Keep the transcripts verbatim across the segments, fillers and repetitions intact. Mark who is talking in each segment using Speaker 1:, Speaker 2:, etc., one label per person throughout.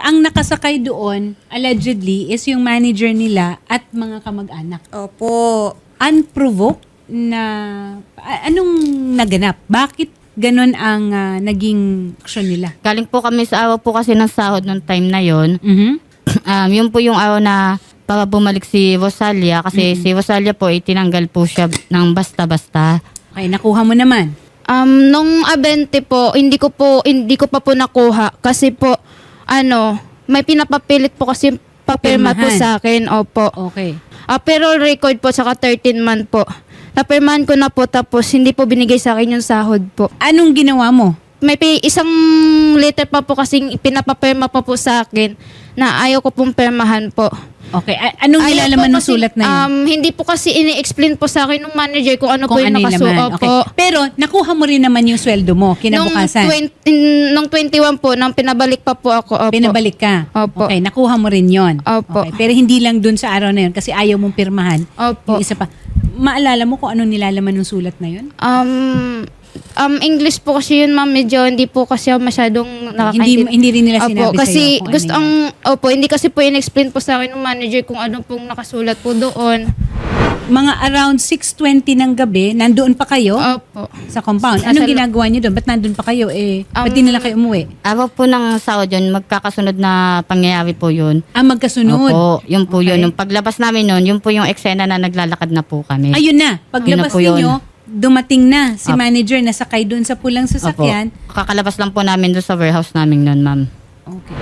Speaker 1: ang nakasakay doon, allegedly, is yung manager nila at mga kamag-anak.
Speaker 2: Opo.
Speaker 1: Unprovoked na, a- anong naganap? Bakit ganun ang ah, naging aksyon nila?
Speaker 3: Galing po kami sa araw po kasi ng sahod nung time na yon.
Speaker 1: Mhm.
Speaker 3: Um, yun po yung araw na para bumalik si Rosalia kasi si Rosalia po ay tinanggal po siya ng basta-basta.
Speaker 1: Okay, nakuha mo naman.
Speaker 2: Um, nung abente po, hindi ko po, hindi ko pa po nakuha. Kasi po, ano, may pinapapilit po kasi papirma po
Speaker 1: Pirmahan.
Speaker 2: sa akin. Opo.
Speaker 1: Okay.
Speaker 2: Ah, pero record po, saka thirteen month po. Napirmahan ko na po, tapos hindi po binigay sa akin yung sahod po.
Speaker 1: Anong ginawa mo?
Speaker 2: May pi- isang letter pa po kasing pinapapirma pa po sa akin na ayaw ko pong pirmahan po.
Speaker 1: Okay, a- anong
Speaker 2: Ayaw
Speaker 1: nilalaman
Speaker 2: po
Speaker 1: ng
Speaker 2: kasi,
Speaker 1: sulat na yun?
Speaker 2: Um, hindi po kasi ini-explain po sa akin ng manager kung ano
Speaker 1: Kung
Speaker 2: po yung
Speaker 1: ano yung
Speaker 2: nakasu.
Speaker 1: laman.
Speaker 2: Opo.
Speaker 1: Okay. Pero nakuha mo rin naman yung sweldo mo kinabukasan.
Speaker 2: Nung, twenty, nung twenty-one po, nang pinabalik pa po ako. Opo.
Speaker 1: Pinabalik ka.
Speaker 2: Opo.
Speaker 1: Okay, nakuha mo rin yon.
Speaker 2: Opo.
Speaker 1: Okay, pero hindi lang dun sa araw na yun kasi ayaw mong pirmahan.
Speaker 2: Opo.
Speaker 1: Yung isa pa. Maalala mo kung anong nilalaman ng sulat na yun?
Speaker 2: Um, um, English po kasi yun, ma'am. Medyo hindi po kasi ako masyadong
Speaker 1: Hindi,
Speaker 2: nakakaintindi.
Speaker 1: hindi rin nila
Speaker 2: Opo,
Speaker 1: sinabi
Speaker 2: kasi
Speaker 1: sa'yo kung
Speaker 2: gusto
Speaker 1: ano
Speaker 2: ang,
Speaker 1: yun.
Speaker 2: opo, hindi kasi po in-explain po sa akin ng manager kung ano pong nakasulat po doon.
Speaker 1: Mga around six twenty ng gabi, nandoon pa kayo
Speaker 2: Opo.
Speaker 1: sa compound.
Speaker 2: Nasa
Speaker 1: Anong
Speaker 2: lo-
Speaker 1: ginagawa niyo doon? Ba't nandun pa kayo? Eh, ba't
Speaker 2: Um,
Speaker 1: di nila kayo umuwi?
Speaker 3: Araw po ng sahod yun, magkakasunod na pangyayari po yun.
Speaker 1: Ah, magkasunod.
Speaker 3: Opo, yun po
Speaker 1: Okay.
Speaker 3: yun. Nung paglabas namin nun, yun po yung eksena na naglalakad na po kami.
Speaker 1: Ayun na. Paglabas
Speaker 3: Yun na po yun.
Speaker 1: ninyo, dumating na si
Speaker 3: Opo.
Speaker 1: manager na sakay doon sa pulang
Speaker 3: Opo.
Speaker 1: sasakyan.
Speaker 3: Kakalabas lang po namin doon sa warehouse namin nun, ma'am.
Speaker 1: Okay.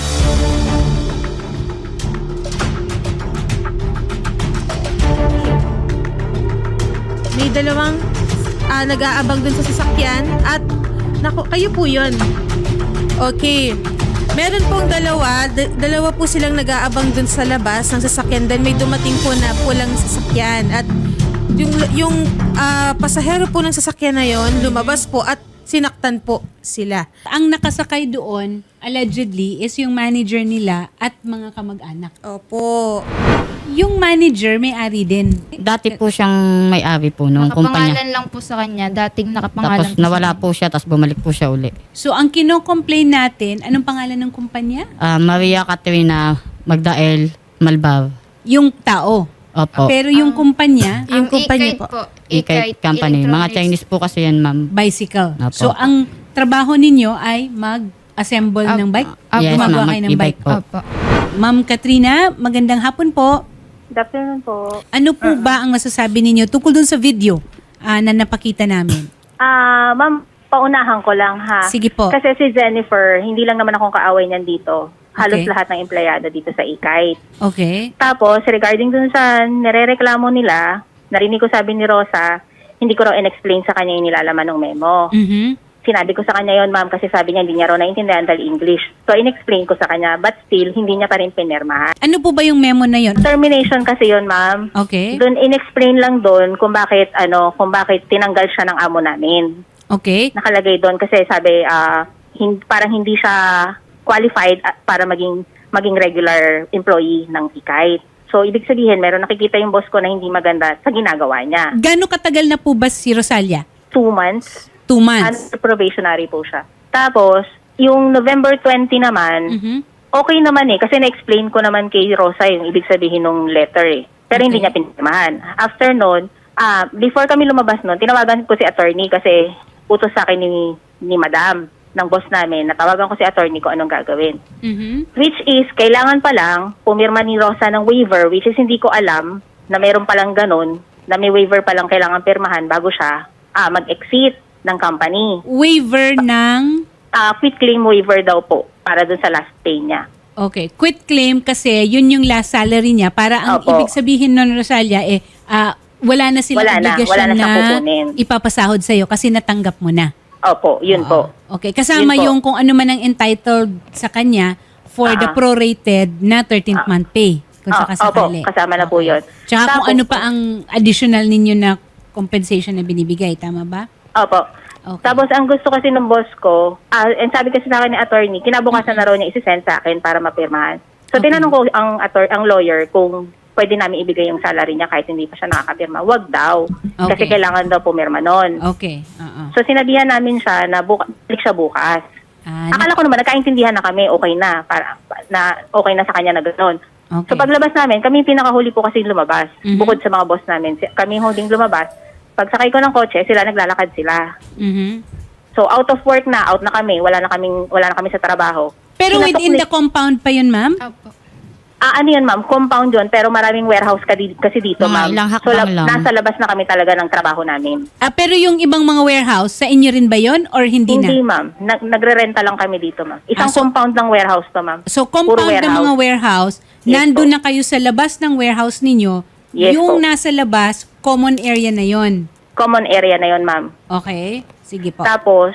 Speaker 4: May dalawang ah, nag-aabang dun sa sasakyan at naku, kayo po yun. Okay. Meron pong dalawa, d- dalawa po silang nag-aabang dun sa labas ng sasakyan. Then may dumating po na pulang sasakyan at yung yung ah, pasahero po ng sasakyan na yon lumabas po at sinaktan po sila.
Speaker 1: Ang nakasakay doon, allegedly, is yung manager nila at mga kamag-anak.
Speaker 4: Opo.
Speaker 1: Yung manager, may-ari din.
Speaker 3: Dati po siyang may-ari po nung kumpanya.
Speaker 2: Nakapangalan lang po sa kanya. Dating nakapangalan
Speaker 3: Tapos
Speaker 2: po
Speaker 3: nawala
Speaker 2: sa
Speaker 3: po siya, tapos bumalik po siya uli.
Speaker 1: So, ang kino-complain natin, anong pangalan ng kumpanya?
Speaker 3: Ah, Maria Caterina Magdael Malbar.
Speaker 1: Yung tao.
Speaker 3: Opo.
Speaker 1: Pero yung kumpanya,
Speaker 2: Ang
Speaker 4: Yung kumpanya
Speaker 2: E-Kite
Speaker 4: po.
Speaker 3: E-Kite Company. Mga
Speaker 2: Electronics.
Speaker 3: Chinese po kasi yan, ma'am.
Speaker 1: bicycle.
Speaker 3: Opo.
Speaker 1: So, ang trabaho ninyo ay mag-assemble
Speaker 2: Opo.
Speaker 1: ng bike?
Speaker 2: Opo.
Speaker 3: Yes,
Speaker 1: Gumagawa
Speaker 3: ma'am.
Speaker 1: kayo ng
Speaker 3: E-bike
Speaker 1: bike?
Speaker 3: po.
Speaker 2: Opo.
Speaker 1: Ma'am Katrina, magandang hapon po.
Speaker 5: Good afternoon po.
Speaker 1: Ano po ba ang masasabi ninyo tungkol dun sa video ah, na napakita namin?
Speaker 5: Ah, ma'am, paunahan ko lang ha.
Speaker 1: Sige po.
Speaker 5: Kasi si Jennifer, hindi lang naman akong kaaway niyan dito. Halos
Speaker 1: Okay.
Speaker 5: lahat ng empleyado dito sa E-Kite.
Speaker 1: Okay.
Speaker 5: Tapos, regarding dun sa nirereklamo nila, narinig ko sabi ni Rosa, hindi ko raw in-explain sa kanya yung nilalaman ng memo.
Speaker 1: Mhm.
Speaker 5: Sinabi ko sa kanya yon, ma'am, kasi sabi niya hindi niya raw naintindihan dahil English. So, in-explain ko sa kanya, but still, hindi niya pa rin pinirmahan.
Speaker 1: Ano po ba yung memo na yon?
Speaker 5: Termination kasi yon, ma'am.
Speaker 1: Okay.
Speaker 5: Doon in-explain lang doon kung bakit ano, kung bakit tinanggal siya ng amo namin.
Speaker 1: Okay.
Speaker 5: Nakalagay doon kasi sabi ah hin- parang hindi siya qualified at para maging maging regular employee ng E-Kite. So ibig sabihin meron nakikita yung boss ko na hindi maganda sa ginagawa niya.
Speaker 1: Gano'ng katagal na po ba si Rosalia?
Speaker 5: Two months,
Speaker 1: Two months.
Speaker 5: under probationary po siya. Tapos yung November twenty naman,
Speaker 1: Mhm.
Speaker 5: okay naman eh kasi na-explain ko naman kay Rosa yung ibig sabihin ng letter eh. Pero hindi
Speaker 1: Okay.
Speaker 5: niya pinirmahan. After noon, ah before kami lumabas noon, tinawagan ko si attorney kasi utos sa akin ni ni Madam ng boss namin, natawagan ko si attorney ko anong gagawin.
Speaker 1: Mhm.
Speaker 5: Which is, kailangan pa lang pumirma ni Rosa ng waiver, which is hindi ko alam na mayroon palang ganun, na may waiver palang kailangan pirmahan bago siya ah, mag-exit ng company.
Speaker 1: Waiver ng...
Speaker 5: Ah, quit claim waiver daw po para dun sa last pay niya.
Speaker 1: Okay. Quit claim kasi yun yung last salary niya. Para ang
Speaker 5: Opo.
Speaker 1: ibig sabihin nun, Rosalia, eh, ah, wala na silang
Speaker 5: Wala na.
Speaker 1: obligasyon
Speaker 5: Wala na siyang
Speaker 1: na
Speaker 5: kukunin.
Speaker 1: ipapasahod sa'yo kasi natanggap mo na.
Speaker 5: Opo, yun po.
Speaker 1: Okay. Kasama
Speaker 5: Yun po.
Speaker 1: yung kung ano man ang entitled sa kanya for the
Speaker 5: Ah.
Speaker 1: prorated na thirteenth month pay. Kung
Speaker 5: Ah,
Speaker 1: sakasakali.
Speaker 5: opo, kasama na po yun.
Speaker 1: Tsaka kung
Speaker 5: Tapos-
Speaker 1: ano pa ang additional ninyo na compensation na binibigay. Tama ba?
Speaker 5: Opo.
Speaker 1: Okay.
Speaker 5: Tapos ang gusto kasi ng boss ko, ah, and sabi kasi sa akin ni attorney, kinabukasan na raw niya isi-send sa akin para mapirmahan. So
Speaker 1: Okay.
Speaker 5: tinanong ko ang ator ang lawyer kung pwede namin ibigay yung salary niya kahit hindi pa siya nakakapirma. Wag daw.
Speaker 1: Okay.
Speaker 5: Kasi kailangan daw pumirma nun.
Speaker 1: Okay. Oo.
Speaker 5: So sinabihan namin siya na buka, balik siya bukas.
Speaker 1: Ah,
Speaker 5: Akala ko naman, nagkaintindihan na kami, okay na, para, na okay na sa kanya na gano'n.
Speaker 1: Okay.
Speaker 5: So paglabas namin, kami yung pinakahuli po kasi lumabas.
Speaker 1: Mhm.
Speaker 5: Bukod sa mga boss namin, Si- kami yung huling lumabas. Pagsakay ko ng kotse, sila naglalakad sila.
Speaker 1: Mhm.
Speaker 5: So out of work na, out na kami, wala na kaming wala na kami sa trabaho.
Speaker 1: Pero
Speaker 5: Pinatok
Speaker 1: within
Speaker 5: ni-
Speaker 1: the compound pa yun, ma'am?
Speaker 2: Opo.
Speaker 5: Ah, ano yun, ma'am? Compound yun, pero maraming warehouse ka di- kasi dito,
Speaker 3: Mga
Speaker 5: ma'am.
Speaker 3: ilang
Speaker 5: So,
Speaker 3: hakbang lang.
Speaker 5: nasa labas na kami talaga ng trabaho namin.
Speaker 1: Ah, pero yung ibang mga warehouse, sa inyo rin ba yun or hindi,
Speaker 5: Hindi,
Speaker 1: na?
Speaker 5: ma'am. Nag- nagre-renta lang kami dito, ma'am. Isang
Speaker 1: Ah, so-
Speaker 5: compound ng warehouse to, ma'am.
Speaker 1: So,
Speaker 5: Puro
Speaker 1: compound ng mga warehouse,
Speaker 5: Yes
Speaker 1: nandun
Speaker 5: po.
Speaker 1: na kayo sa labas ng warehouse ninyo,
Speaker 5: Yes
Speaker 1: yung
Speaker 5: po.
Speaker 1: nasa labas, common area na yon.
Speaker 5: Common area na yon, ma'am.
Speaker 1: Okay? Sige po.
Speaker 5: Tapos,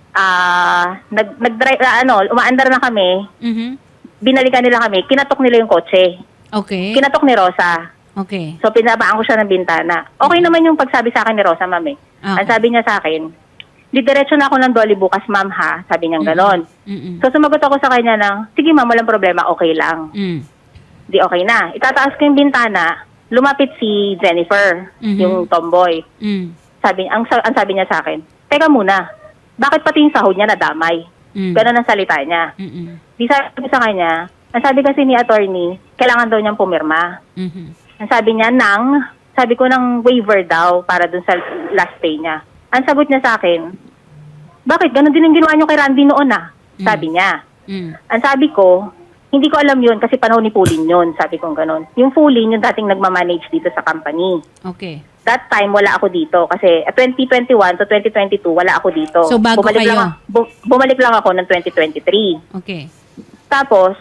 Speaker 5: ah, nag, nag-drive, ah, ano, umaandar na kami,
Speaker 1: Mhm.
Speaker 5: binalikan nila kami, kinatok nila yung kotse.
Speaker 1: Okay.
Speaker 5: Kinatok ni Rosa.
Speaker 1: Okay.
Speaker 5: So, pinabaan ko siya ng bintana. Okay naman yung pagsabi sa akin ni Rosa, ma'am eh.
Speaker 1: Ah,
Speaker 5: Ang sabi niya sa akin, didiretso na ako ng Dolly bukas, ma'am ha. Sabi niya ganon.
Speaker 1: Mm-mm.
Speaker 5: So, sumagot ako sa kanya ng, sige ma'am, walang problema, okay lang.
Speaker 1: Mm.
Speaker 5: Di okay na. Itataas ko yung bintana, lumapit si Jennifer,
Speaker 1: Mhm.
Speaker 5: yung tomboy.
Speaker 1: Mm.
Speaker 5: Sabi, ang, sa- ang sabi niya sa akin, teka muna, bakit pati yung sahod niya nadamay?
Speaker 1: Mm.
Speaker 5: Ganon ang salita niya.
Speaker 1: Mm-mm.
Speaker 5: Di sabi ko sa kanya, ang sabi kasi ni attorney, kailangan daw niyang pumirma.
Speaker 1: Mhm.
Speaker 5: Ang sabi niya, ng, sabi ko ng waiver daw para dun sa last pay niya. Ang sagot niya sa akin, bakit? Ganon din ang ginawa niyo kay Randy noon ah. Sabi niya.
Speaker 1: Mm.
Speaker 5: Ang sabi ko, hindi ko alam yun kasi panahon ni Pulin yun. Sabi ko ganon. Yung Pulin, yung dating nagmamanage dito sa company.
Speaker 1: Okay.
Speaker 5: That time, wala ako dito. Kasi uh, twenty twenty-one to twenty twenty-two, wala ako dito.
Speaker 1: So, bago
Speaker 5: bumalik
Speaker 1: kayo?
Speaker 5: Lang, bu- bumalik lang ako ng twenty twenty-three.
Speaker 1: Okay.
Speaker 5: Tapos,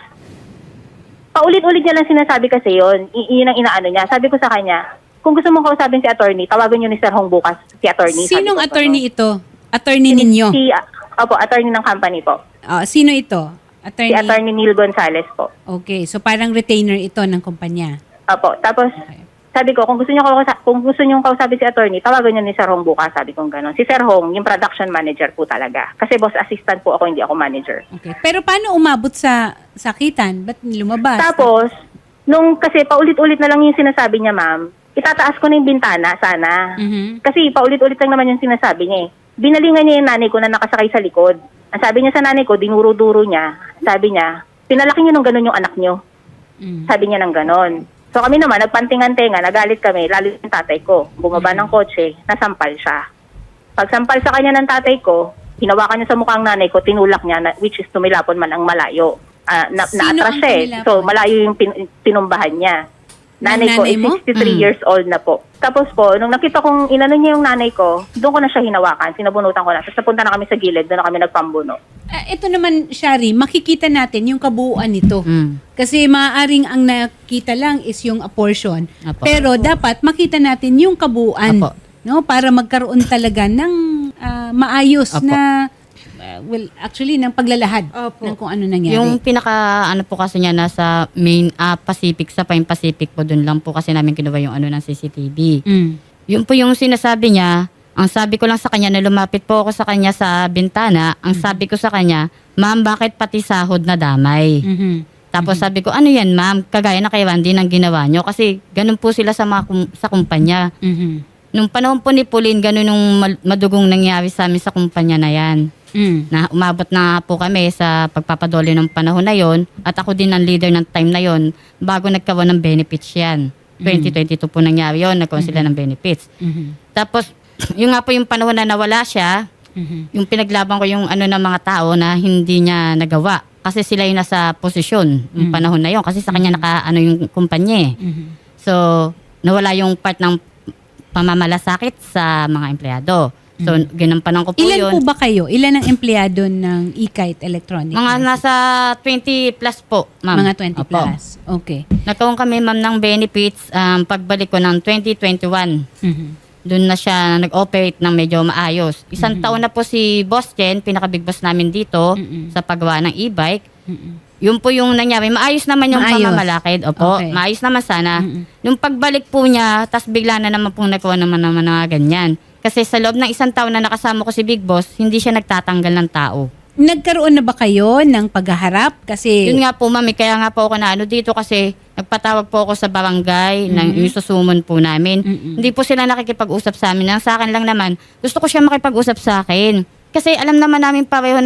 Speaker 5: paulit-ulit niya lang sinasabi kasi yun. I- yun ang inaano niya. Sabi ko sa kanya, kung gusto mong kausapin si attorney, tawagan niyo ni Sir Hong bukas si attorney. Sabi
Speaker 1: Sinong
Speaker 5: ko,
Speaker 1: attorney
Speaker 5: ano.
Speaker 1: ito? Attorney
Speaker 5: Si-
Speaker 1: ninyo?
Speaker 5: Si, ah, opo, attorney ng company po.
Speaker 1: Ah, sino ito? Attorney?
Speaker 5: Si attorney Neil Gonzalez po.
Speaker 1: Okay. So, parang retainer ito ng kumpanya.
Speaker 5: Opo. Tapos,
Speaker 1: Okay.
Speaker 5: sabi ko, kung gusto niyo kausa- kung gusto niyo kausapin si attorney, tawagan niyo ni Sir Hong bukas. Sabi ko gano'n. Si Sir Hong, yung production manager po talaga. Kasi boss assistant po ako, hindi ako manager.
Speaker 1: Okay. Pero paano umabot sa sakitan? Ba't lumabas?
Speaker 5: Tapos, nung kasi paulit-ulit na lang yung sinasabi niya, ma'am, itataas ko na yung bintana, sana.
Speaker 1: Mhm.
Speaker 5: Kasi paulit-ulit lang naman yung sinasabi niya eh. Binalingan niya yung nanay ko na nakasakay sa likod. Ang sabi niya sa nanay ko, dinuro-duro niya. Sabi niya, pinalaki niyo nung gano'n yung anak niyo.
Speaker 1: Mm.
Speaker 5: Sabi niya ng gano'n. So kami naman, nagpantingan-tenga, nagalit kami, lalo yung tatay ko. Bumaba ng kotse, nasampal siya. Pagsampal sa kanya ng tatay ko, hinawakan niya sa mukhang nanay ko, tinulak niya, na, which is tumilapon man ang malayo. Ah, na,
Speaker 1: Sino
Speaker 5: naatras
Speaker 1: ang
Speaker 5: siya eh.
Speaker 1: tumilapon?
Speaker 5: So malayo yung pin, tinumbahan niya.
Speaker 1: Ng
Speaker 5: Nanay ko
Speaker 1: nanay
Speaker 5: is
Speaker 1: mo?
Speaker 5: sixty-three
Speaker 3: Mm.
Speaker 5: years old na po. Tapos po, nung nakita kong inano niya yung nanay ko, doon ko na siya hinawakan, sinabunutan ko na. Tapos napunta na kami sa gilid, doon na kami nagpambuno.
Speaker 1: Ah, ito naman, Shari, makikita natin yung kabuuan nito.
Speaker 3: Mm.
Speaker 1: Kasi maaaring ang nakita lang is yung apportion.
Speaker 3: Apo.
Speaker 1: Pero dapat makita natin yung kabuuan.
Speaker 3: Apo.
Speaker 1: No? Para magkaroon talaga ng ah, maayos
Speaker 3: Apo.
Speaker 1: na, ah, well, actually, ng paglalahad
Speaker 4: Opo.
Speaker 1: ng kung ano nangyari.
Speaker 3: Yung pinaka ano po kasi niya nasa main ah, Pacific, sa Pine Pacific po, dun lang po kasi namin kinuha yung ano ng C C T V.
Speaker 1: Mm.
Speaker 3: Yun po yung sinasabi niya. Ang sabi ko lang sa kanya, na lumapit po ako sa kanya sa bintana, ang sabi ko sa kanya, ma'am, bakit pati sahod na damay?
Speaker 1: Mhm.
Speaker 3: Tapos sabi ko, ano yan ma'am, kagaya na kay Randy ng ginawa nyo. Kasi ganun po sila sa mga kum- sa kumpanya.
Speaker 1: Mhm.
Speaker 3: Nung panahon po ni Pauline, ganun yung mal- madugong nangyari sa amin sa kumpanya na yan.
Speaker 1: Mm.
Speaker 3: Na umabot na po kami sa pagpapadole ng panahon na yon, at ako din ang leader ng time na yon bago nagkaroon ng benefits yan. twenty twenty-two po nangyari yon, nagkaroon sila ng benefits.
Speaker 1: Mhm.
Speaker 3: Tapos, yung nga po yung panahon na nawala siya,
Speaker 1: Mhm.
Speaker 3: yung pinaglaban ko yung ano ng mga tao na hindi niya nagawa. Kasi sila yung nasa posisyon yung panahon na yon. Kasi sa kanya naka ano yung kumpanya eh.
Speaker 1: Mhm.
Speaker 3: So, nawala yung part ng pamamalasakit sa mga empleyado. So, ginampanan ko po
Speaker 1: Ilan
Speaker 3: yun.
Speaker 1: po ba kayo? Ilan ang empleyado ng E-Kite Electronics?
Speaker 3: Mga nasa twenty plus po, ma'am.
Speaker 1: Mga twenty
Speaker 3: Opo.
Speaker 1: plus. Okay.
Speaker 3: Nagkaroon kami, ma'am, ng benefits um, pagbalik ko ng twenty twenty-one.
Speaker 1: Mhm.
Speaker 3: Doon na siya nag-operate ng medyo maayos. Isang taon na po si Boss Jen, pinaka-big boss namin dito
Speaker 1: Mm-mm.
Speaker 3: sa paggawa ng e-bike.
Speaker 1: Mhm.
Speaker 3: Yun po yung nangyari. Maayos naman yung
Speaker 1: Maayos.
Speaker 3: pamamalakid. Opo,
Speaker 1: Okay.
Speaker 3: maayos naman sana.
Speaker 1: Mm-mm.
Speaker 3: Yung pagbalik po niya, tas bigla na naman pong nagawa naman naman na ganyan. Kasi sa loob ng isang taon na nakasama ko si Big Boss, hindi siya nagtatanggal ng tao.
Speaker 1: Nagkaroon na ba kayo ng paghaharap? Kasi
Speaker 3: Yun nga po, mami, kaya nga po ako na ano dito kasi nagpatawag po ako sa barangay ng yung susumon po namin.
Speaker 1: Mm-mm.
Speaker 3: Hindi po sila nakikipag-usap sa amin. Ang sa akin lang naman, gusto ko siya makipag-usap sa akin. Kasi alam naman namin pareho na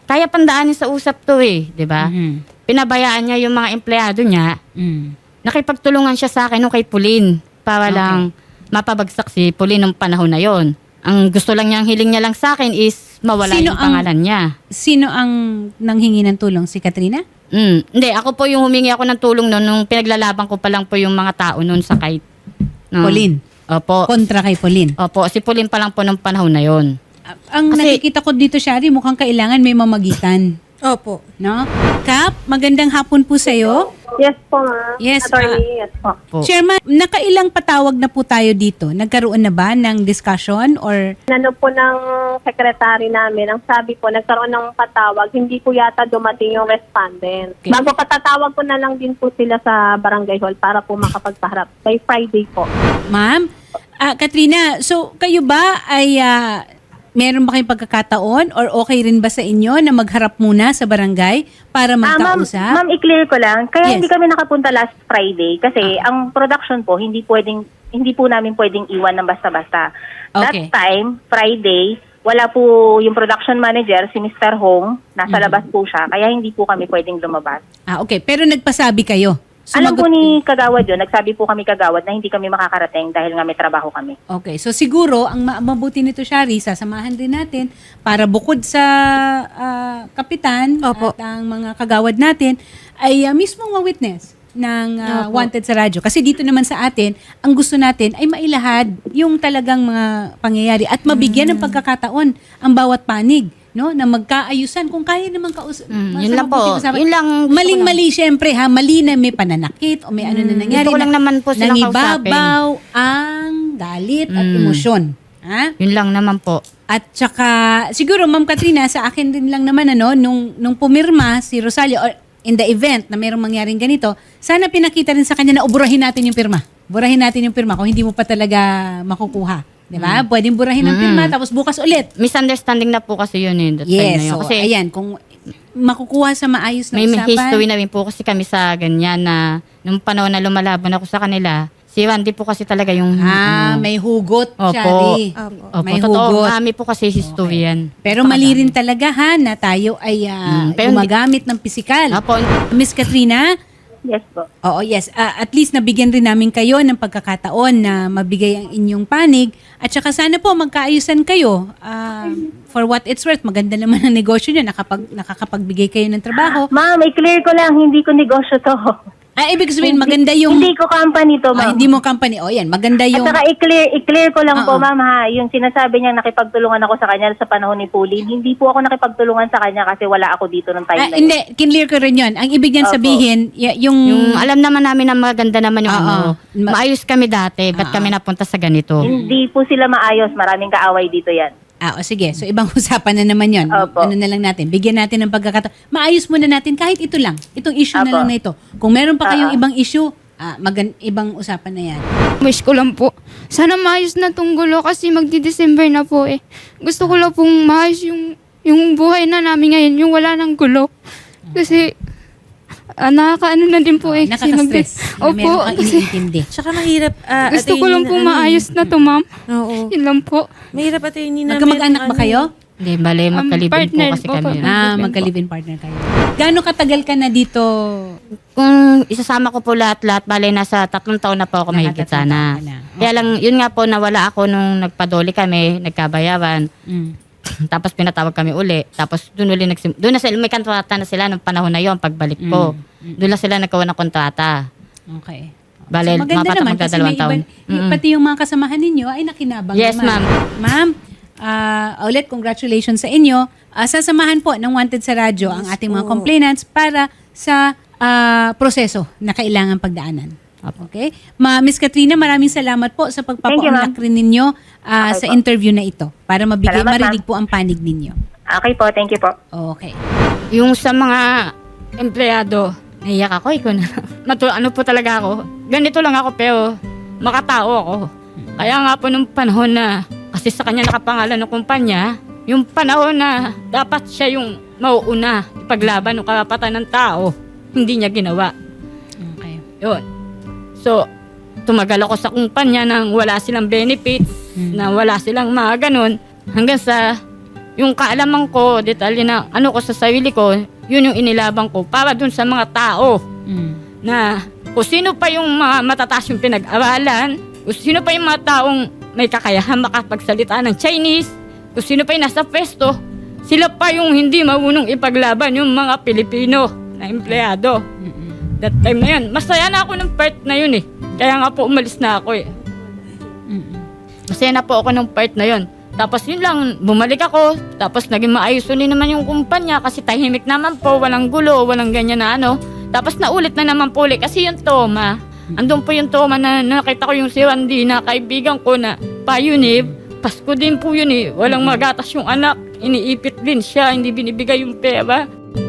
Speaker 3: kaya pandaanin sa usap to eh, di ba?
Speaker 1: Mhm.
Speaker 3: Pinabayaan niya yung mga empleyado niya.
Speaker 1: Mm.
Speaker 3: Nakipagtulungan siya sa akin nung kay Pauline para
Speaker 1: Okay.
Speaker 3: lang mapabagsak si Pauline nung panahon na yon. Ang gusto lang niyang hiling niya lang sa akin is mawala
Speaker 1: Sino
Speaker 3: yung
Speaker 1: ang-
Speaker 3: pangalan niya.
Speaker 1: Sino ang nanghingi ng tulong? Si Katrina?
Speaker 3: Mm. Hindi, ako po yung humingi ako ng tulong noon nung pinaglalaban ko pa lang po yung mga tao noon sa kay no.
Speaker 1: Pauline?
Speaker 3: Opo.
Speaker 1: Kontra kay Pauline?
Speaker 3: Opo, si Pauline pa lang po nung panahon na yon.
Speaker 1: Ah, Ang
Speaker 3: Kasi-
Speaker 1: nakikita ko dito, Shari, mukhang kailangan may mamagitan.
Speaker 4: Opo.
Speaker 1: No? Kap, magandang hapon po sa'yo.
Speaker 6: Yes po, ma'am.
Speaker 1: Yes,
Speaker 6: Attorney, yes po.
Speaker 3: Po.
Speaker 1: Chairman, nakailang patawag na po tayo dito? Nagkaroon na ba ng discussion or
Speaker 6: Ano po ng sekretary namin, ang sabi po, nagkaroon ng patawag, hindi po yata dumating yung respondent.
Speaker 1: Okay.
Speaker 6: Bago patatawag ko na lang din po sila sa barangay hall para po makapagpaharap. By Friday po.
Speaker 1: ma'am? Ah, Katrina, so kayo ba ay ah, meron ba kayong pagkakataon or okay rin ba sa inyo na magharap muna sa barangay para
Speaker 5: Ah, ma'am,
Speaker 1: magkausap?
Speaker 5: ma'am, i-clear ko lang. Kaya
Speaker 1: Yes.
Speaker 5: hindi kami nakapunta last Friday kasi ang production po hindi pwedeng hindi po namin pwedeng iwan ng basta-basta.
Speaker 1: Okay.
Speaker 5: That time, Friday, wala po yung production manager, si Mister Hong, nasa labas po siya, kaya hindi po kami pwedeng lumabas.
Speaker 1: Ah, okay. Pero nagpasabi kayo.
Speaker 5: Alam po
Speaker 1: Sumagot-
Speaker 5: ni Kagawad yun, nagsabi po kami Kagawad na hindi kami makakarating dahil nga may trabaho kami.
Speaker 1: Okay, so siguro ang ma- mabuti nito, Shari, sasamahan din natin para bukod sa ah, kapitan
Speaker 4: Opo.
Speaker 1: at ang mga kagawad natin ay ah, mismong mga witness ng ah,
Speaker 4: Opo.
Speaker 1: Wanted sa radyo. Kasi dito naman sa atin, ang gusto natin ay mailahad yung talagang mga pangyayari at mabigyan ng pagkakataon ang bawat panig, no, na magkaayusan kung kaya naman kaus-
Speaker 3: Mm,
Speaker 1: mas
Speaker 3: yun lang
Speaker 1: mabuti
Speaker 3: po.
Speaker 1: usapan.
Speaker 3: Yun lang gusto ko
Speaker 1: Maling-mali syempre ha, mali na may pananakit o may ano na nangyari.
Speaker 3: Gusto ko lang
Speaker 1: na-
Speaker 3: naman po silang
Speaker 1: nangibabaw ang galit at
Speaker 3: Mm.
Speaker 1: emosyon. Ha?
Speaker 3: Yun lang naman po.
Speaker 1: At saka, siguro, Ma'am Katrina, sa akin din lang naman, ano, nung, nung pumirma si Rosalia, or in the event na mayroong mangyaring ganito, sana pinakita rin sa kanya na uburahin natin yung pirma. Burahin natin yung pirma kung hindi mo pa talaga makukuha. Di ba? Pwedeng burahin ang pirma, tapos bukas ulit.
Speaker 3: Misunderstanding na po kasi yun eh. that time na
Speaker 1: Yes,
Speaker 3: yun.
Speaker 1: so
Speaker 3: Kasi
Speaker 1: ayan, kung makukuha sa maayos na
Speaker 3: may
Speaker 1: usapan.
Speaker 3: history na rin po kasi kami sa ganyan na nung panahon na lumalaban ako sa kanila, si Randy po kasi talaga yung...
Speaker 1: Ah,
Speaker 3: ano,
Speaker 1: may hugot,
Speaker 3: Opo.
Speaker 1: Shari.
Speaker 4: Opo.
Speaker 3: Opo,
Speaker 1: may
Speaker 3: totoo,
Speaker 1: hugot.
Speaker 3: marami po kasi history yan.
Speaker 1: Pero mali rin talaga ha na tayo ay ah,
Speaker 3: Mm, pero hindi-
Speaker 1: gumagamit ng pisikal.
Speaker 3: Opo,
Speaker 1: Miss Katrina,
Speaker 5: Yes po.
Speaker 1: oo, yes. Ah, at least nabigyan rin namin kayo ng pagkakataon na mabigay ang inyong panig. At saka sana po magkaayusan kayo. Ah, for what it's worth, maganda naman ang negosyo nyo. Nakapag, nakakapagbigay kayo ng trabaho.
Speaker 5: Ma'am, i-clear ko lang, hindi ko negosyo to.
Speaker 1: Ah, ibig sabihin, maganda yung...
Speaker 5: Hindi ko company to,
Speaker 1: Ah,
Speaker 5: ma'am.
Speaker 1: hindi mo company. O yan, maganda
Speaker 5: At
Speaker 1: yung...
Speaker 5: saka i-clear, i-clear ko lang
Speaker 1: Oo.
Speaker 5: po, ma'am, ha, yung sinasabi niya nakipagtulungan ako sa kanya sa panahon ni Pauline, hindi po ako nakipagtulungan sa kanya kasi wala ako dito ng time
Speaker 1: Ah,
Speaker 5: na yun.
Speaker 1: hindi, kinlear ko rin yun. Ang ibig niyan
Speaker 5: Opo.
Speaker 1: sabihin, y- yung...
Speaker 3: yung alam naman namin na maganda naman yung
Speaker 1: Oo.
Speaker 3: ano.
Speaker 1: Ma-
Speaker 3: Maayos kami dati,
Speaker 1: Oo.
Speaker 3: ba't kami napunta sa ganito?
Speaker 5: Hindi po sila maayos, maraming kaaway dito yan.
Speaker 1: Ah, o sige. So, ibang usapan na naman yon.
Speaker 5: Opo.
Speaker 1: Ano na lang natin. Bigyan natin ng pagkakataon. Maayos muna natin kahit ito lang. Itong issue na
Speaker 5: Opo.
Speaker 1: lang na ito. Kung meron pa kayong
Speaker 5: Oo.
Speaker 1: ibang issue, ah, magan- ibang usapan na yan.
Speaker 2: Wish ko lang po. Sana maayos na tong gulo kasi magdi-December na po eh. Gusto ko lang pong maayos yung, yung buhay na namin ngayon, yung wala ng gulo. Kasi ah, nakakaano na din po eh. kasi
Speaker 1: Nakaka-stress.
Speaker 2: magdi-
Speaker 1: na meron
Speaker 2: Opo,
Speaker 1: kang
Speaker 2: kasi
Speaker 4: Oh,
Speaker 1: iniintindi.
Speaker 4: Tsaka mahirap, ah,
Speaker 2: gusto ko
Speaker 4: attorney
Speaker 2: lang
Speaker 4: na
Speaker 2: pong
Speaker 4: ano
Speaker 2: maayos
Speaker 4: eh.
Speaker 2: na to, ma'am.
Speaker 4: Oo.
Speaker 2: Yun lang po.
Speaker 4: Mahirap attorney na
Speaker 1: Magkamag-anak
Speaker 4: meron
Speaker 1: ba kayo?
Speaker 3: Hindi, bale,
Speaker 2: Um,
Speaker 3: magkalibin
Speaker 2: partner
Speaker 3: po kasi
Speaker 2: po
Speaker 3: kami.
Speaker 2: po.
Speaker 3: nun.
Speaker 1: Ah,
Speaker 2: Husband
Speaker 1: magka-live-in partner kayo. Gaano katagal ka na dito?
Speaker 3: Kung isasama ko po lahat-lahat, bale, nasa tatlong taon na po ako mahigit
Speaker 1: Nakatatlong
Speaker 3: sana.
Speaker 1: taon ka na.
Speaker 3: Kaya lang, yun nga po, nawala ako nung nagpadoli kami, nagkabayaran.
Speaker 1: Mm.
Speaker 3: Tapos pinatawag kami uli. Tapos doon uli nagsim... Doon na sila, may kontrata na sila nung panahon na yon pagbalik ko. Doon na sila nagkawa ng kontrata.
Speaker 1: Okay.
Speaker 3: Bale,
Speaker 1: So, maganda
Speaker 3: mapatak
Speaker 1: naman kasi
Speaker 3: magdadalawang
Speaker 1: may
Speaker 3: taon.
Speaker 1: iba, y- pati yung mga kasamahan ninyo ay nakinabang
Speaker 3: Yes,
Speaker 1: naman.
Speaker 3: ma'am.
Speaker 1: Ma'am, ah, ulit congratulations sa inyo. Ah, sasamahan po ng Wanted sa Radyo ang ating mga
Speaker 4: po.
Speaker 1: complainants para sa ah, proseso na kailangan pagdaanan. Okay? Ma Miss Katrina, maraming salamat po sa
Speaker 5: Thank you,
Speaker 1: pagpapaunlak
Speaker 5: ma'am.
Speaker 1: rin ninyo ah,
Speaker 5: Okay
Speaker 1: sa
Speaker 5: po.
Speaker 1: interview na ito para mabigay,
Speaker 5: Salamat,
Speaker 1: marinig
Speaker 5: ma'am.
Speaker 1: po ang panig ninyo.
Speaker 5: Okay po, thank you po.
Speaker 1: Okay.
Speaker 3: Yung sa mga empleyado, naiyak ako, ikaw na. Matu- ano po talaga ako, ganito lang ako pero makatao ako. Kaya nga po nung panahon na, kasi sa kanya nakapangalan ng kumpanya, yung panahon na dapat siya yung mauuna ipaglaban ng karapatan ng tao, hindi niya ginawa.
Speaker 1: Okay.
Speaker 3: Yun. So, tumagal ako sa kumpanya nang wala silang benefits,
Speaker 1: Mm.
Speaker 3: na wala silang mga ganun, hanggang sa yung kaalaman ko, detalye na ano ko sa sarili ko, yun yung inilabang ko para dun sa mga tao
Speaker 1: Mm.
Speaker 3: na kung sino pa yung mga matataas yung pinag-aralan, kung sino pa yung mga taong may kakayahan makapagsalita ng Chinese, kung sino pa yung nasa pwesto, sila pa yung hindi marunong ipaglaban yung mga Pilipino na empleyado.
Speaker 1: Mm-mm.
Speaker 3: That time na yun, masaya na ako ng part na yun eh. Kaya nga po umalis na ako eh.
Speaker 1: Mm-mm.
Speaker 3: Masaya na po ako ng part na yun. Tapos yun lang, bumalik ako. Tapos naging maayos ulit naman yung kumpanya kasi tahimik naman po, walang gulo, walang ganyan na ano. Tapos naulit na naman po ulit kasi yung Toma. Andun po yung Toma na nakita ko yung si Randy na kaibigan ko na payunib. Pasko din po yun eh. Walang magatas yung anak. Iniipit din siya, hindi binibigay yung pera.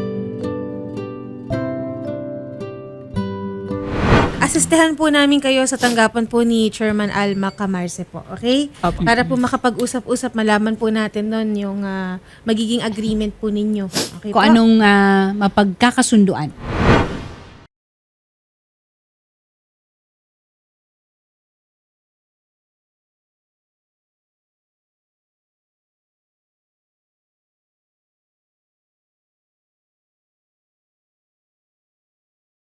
Speaker 4: Asistehan po namin kayo sa tanggapan po ni Chairman Alma Camarce po, okay?
Speaker 3: Opo.
Speaker 4: Para po makapag-usap-usap, malaman po natin nun yung ah, magiging agreement po ninyo. Okay
Speaker 1: Kung
Speaker 4: po?
Speaker 1: anong ah, mapagkakasunduan.